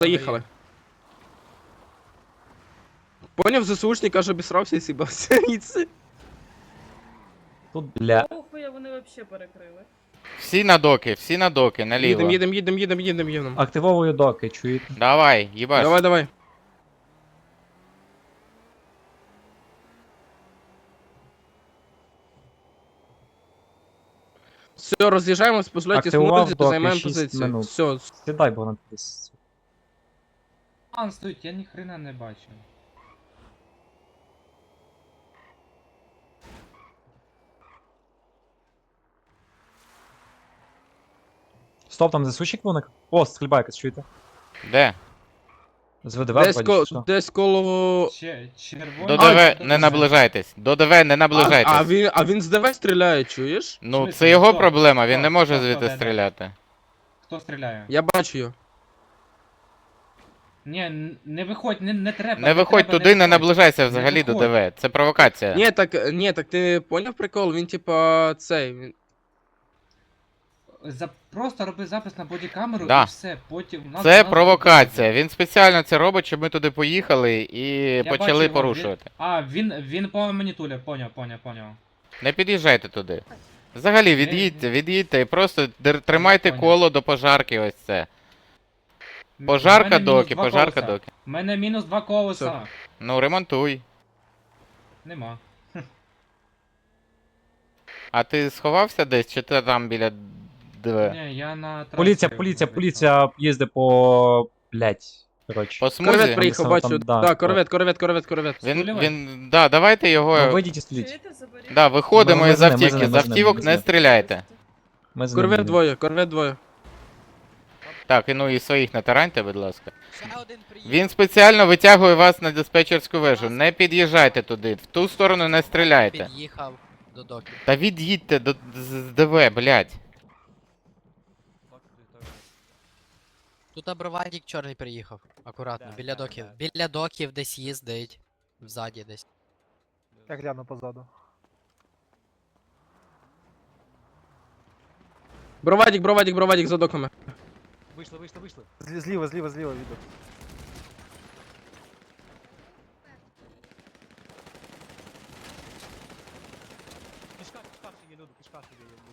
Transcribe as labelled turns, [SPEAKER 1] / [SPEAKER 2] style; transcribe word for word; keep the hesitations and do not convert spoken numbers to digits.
[SPEAKER 1] Заїхали. Поняв, ЗСУшник аж обісрався і сібався. І це-
[SPEAKER 2] Тут, бля.
[SPEAKER 3] Охуя вони вообще перекрили.
[SPEAKER 4] Всі на доки, всі на доки, наліво.
[SPEAKER 1] Їдем, їдем, їдем, їдем, їдем, їдем.
[SPEAKER 2] Активовую доки, чуєте?
[SPEAKER 4] Давай, їбаш.
[SPEAKER 1] Давай, давай. Все, роз'їжджаємось, позволяйте
[SPEAKER 2] Активував
[SPEAKER 1] смутити,
[SPEAKER 2] доки,
[SPEAKER 1] займаємо
[SPEAKER 2] шість
[SPEAKER 1] позицію.
[SPEAKER 2] минут.
[SPEAKER 1] Все,
[SPEAKER 2] Сідай, бо на десь.
[SPEAKER 5] Ан стоїть, я ні хрена не бачу.
[SPEAKER 2] Стоп, там засущик вуник? О, стрільба якась, чуєте?
[SPEAKER 4] Де?
[SPEAKER 2] З ВДВ
[SPEAKER 1] десь,
[SPEAKER 2] вроді,
[SPEAKER 1] ко,
[SPEAKER 2] чи що?
[SPEAKER 1] десь коло...
[SPEAKER 5] Че, червоний.
[SPEAKER 4] До
[SPEAKER 1] А,
[SPEAKER 4] ДВ
[SPEAKER 5] це
[SPEAKER 4] не
[SPEAKER 5] дуже-
[SPEAKER 4] наближайтесь. До ДВ не
[SPEAKER 1] А,
[SPEAKER 4] наближайтесь.
[SPEAKER 1] а, він, а він з ДВ стріляє, чуєш?
[SPEAKER 4] Ну,
[SPEAKER 5] смислі?
[SPEAKER 4] це його
[SPEAKER 5] Хто?
[SPEAKER 4] проблема, він
[SPEAKER 5] Хто?
[SPEAKER 4] не може
[SPEAKER 5] Хто?
[SPEAKER 4] звідти
[SPEAKER 5] Хто?
[SPEAKER 4] стріляти.
[SPEAKER 5] Хто стріляє?
[SPEAKER 1] Я бачу його.
[SPEAKER 5] Ні, н- не виходь, не, не треба.
[SPEAKER 4] Не виходь
[SPEAKER 5] треба,
[SPEAKER 4] туди, не
[SPEAKER 5] виходь.
[SPEAKER 4] наближайся взагалі до
[SPEAKER 5] виходь.
[SPEAKER 4] ДВ. Це провокація.
[SPEAKER 1] Ні, так, ні, так ти поняв прикол? Він типа цей. Він...
[SPEAKER 5] За, просто роби запис на бодікамеру
[SPEAKER 4] Да.
[SPEAKER 5] і все, потім... нас-
[SPEAKER 4] Це
[SPEAKER 5] нас
[SPEAKER 4] провокація.
[SPEAKER 5] буде.
[SPEAKER 4] Він спеціально це робить, щоб ми туди поїхали і
[SPEAKER 5] Я
[SPEAKER 4] почали
[SPEAKER 5] бачу його,
[SPEAKER 4] порушувати.
[SPEAKER 5] Він... А, він, він по мені туля, поняв, поняв, поняв.
[SPEAKER 4] Не під'їжджайте туди. Взагалі, від'їдьте, від'їдьте і просто дер- тримайте
[SPEAKER 5] Поняв.
[SPEAKER 4] коло до пожарки, ось це.
[SPEAKER 5] М- в
[SPEAKER 4] Пожарка
[SPEAKER 5] мене мінус
[SPEAKER 4] доки,
[SPEAKER 5] два
[SPEAKER 4] пожарка
[SPEAKER 5] колеса.
[SPEAKER 4] доки.
[SPEAKER 5] У мене мінус два колеса.
[SPEAKER 4] Ну, ремонтуй.
[SPEAKER 5] Нема.
[SPEAKER 4] А ти сховався десь, чи ти там біля ДВ?
[SPEAKER 5] Ні, я на трасі
[SPEAKER 2] Поліція, поліція,
[SPEAKER 5] вийшов.
[SPEAKER 2] поліція їздить по... блять. Коротше.
[SPEAKER 4] По
[SPEAKER 1] Корвет
[SPEAKER 4] смузі?
[SPEAKER 1] приїхав,
[SPEAKER 2] Там,
[SPEAKER 1] бачу.
[SPEAKER 2] да,
[SPEAKER 1] Да, корвет, корвет, корвет, корвет.
[SPEAKER 4] Він,
[SPEAKER 5] Стулівай.
[SPEAKER 4] він, да, давайте його...
[SPEAKER 2] Ну, вийдіть і стріліть.
[SPEAKER 3] Чуєте, заберіть?
[SPEAKER 4] Да, виходимо
[SPEAKER 2] Ми- ми
[SPEAKER 4] із
[SPEAKER 2] за ним, ми
[SPEAKER 4] автівки,
[SPEAKER 2] за ним,
[SPEAKER 4] з
[SPEAKER 2] ми за ним,
[SPEAKER 4] автівок
[SPEAKER 2] ми за
[SPEAKER 4] не
[SPEAKER 2] ним.
[SPEAKER 4] стріляйте.
[SPEAKER 2] Ми з
[SPEAKER 1] Корвет
[SPEAKER 2] ним.
[SPEAKER 1] двоє, корвет двоє.
[SPEAKER 4] Так, і ну і своїх не тараньте, будь ласка.
[SPEAKER 6] Ще один приїхав.
[SPEAKER 4] Він спеціально витягує вас на диспетчерську вежу. Не під'їжджайте туди, в ту сторону не стріляйте.
[SPEAKER 6] Під'їхав до доків.
[SPEAKER 4] Та від'їдьте до з- з ДВ, блядь.
[SPEAKER 6] Тут абровадік чорний приїхав. Акуратно, біля доків. Біля доків десь їздить. Взаді десь.
[SPEAKER 7] Я гляну позаду.
[SPEAKER 1] Бровадік, бровадік, бровадік за доками.
[SPEAKER 2] Вийшли, вийшли, вийшли.
[SPEAKER 7] Злі- Зліва, зліва, зліва віду.
[SPEAKER 2] Пішка, пішка ще є, люди, пішка ще є.